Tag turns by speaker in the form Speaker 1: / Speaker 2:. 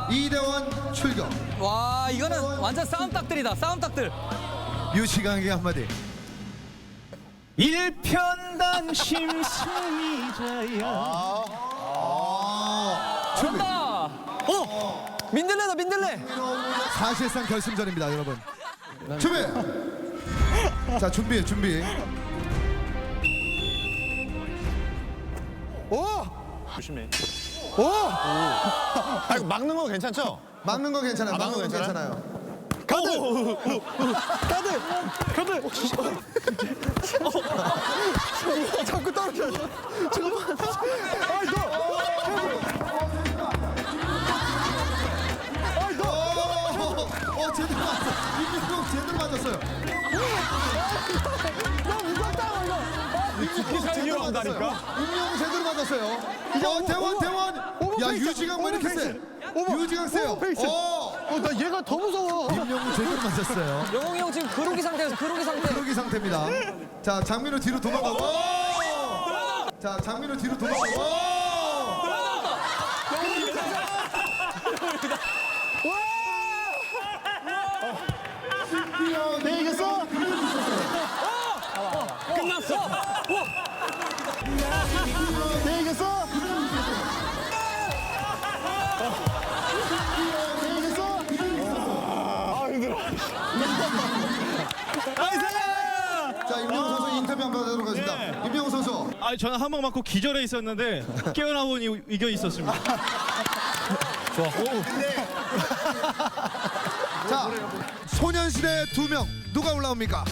Speaker 1: 이대원 출격.
Speaker 2: 와 이거는 완전 싸움닭들이다. 싸움닭들.
Speaker 1: 유시강에게 한마디.
Speaker 3: 일편단심 승리자야.
Speaker 1: 준비.
Speaker 2: 간다. 민들레다 민들레.
Speaker 1: 사실상 결승전입니다, 여러분. 준비. 자, 준비.
Speaker 3: 조심해.
Speaker 4: 아, 이거 막는 거 괜찮죠?
Speaker 1: 막는 거 괜찮아요.
Speaker 4: 막는 거
Speaker 1: 괜찮아요.
Speaker 4: 자꾸 떨어져. 잠깐만.
Speaker 1: 제대로 맞았어. 임명웅 제대로 맞았어요. 제대로 맞았어요. 임명웅 제대로 맞았어요. 대원. 야, 유지강 왜 이렇게 세? 유지강 세요.
Speaker 4: 나 얘가 더 무서워.
Speaker 1: 임명웅 제대로 맞았어요.
Speaker 2: 영웅이 형 지금 그루기 상태에서 그루기 상태.
Speaker 1: 그러기 상태입니다. 자, 장민호 뒤로 도망가고. 자, 장민호 뒤로 도망가고.
Speaker 4: 내 이겼어?
Speaker 2: 끝났어.
Speaker 4: 내 이겼어?
Speaker 1: 자, 임명웅 선수 인터뷰 한번 하도록 하겠습니다. 임명웅 선수.
Speaker 3: 아, 저는 한 방 맞고 기절해 있었는데 깨어나 보니 이겨 있었습니다.
Speaker 1: 자, 소년시대 2명 누가 올라옵니까?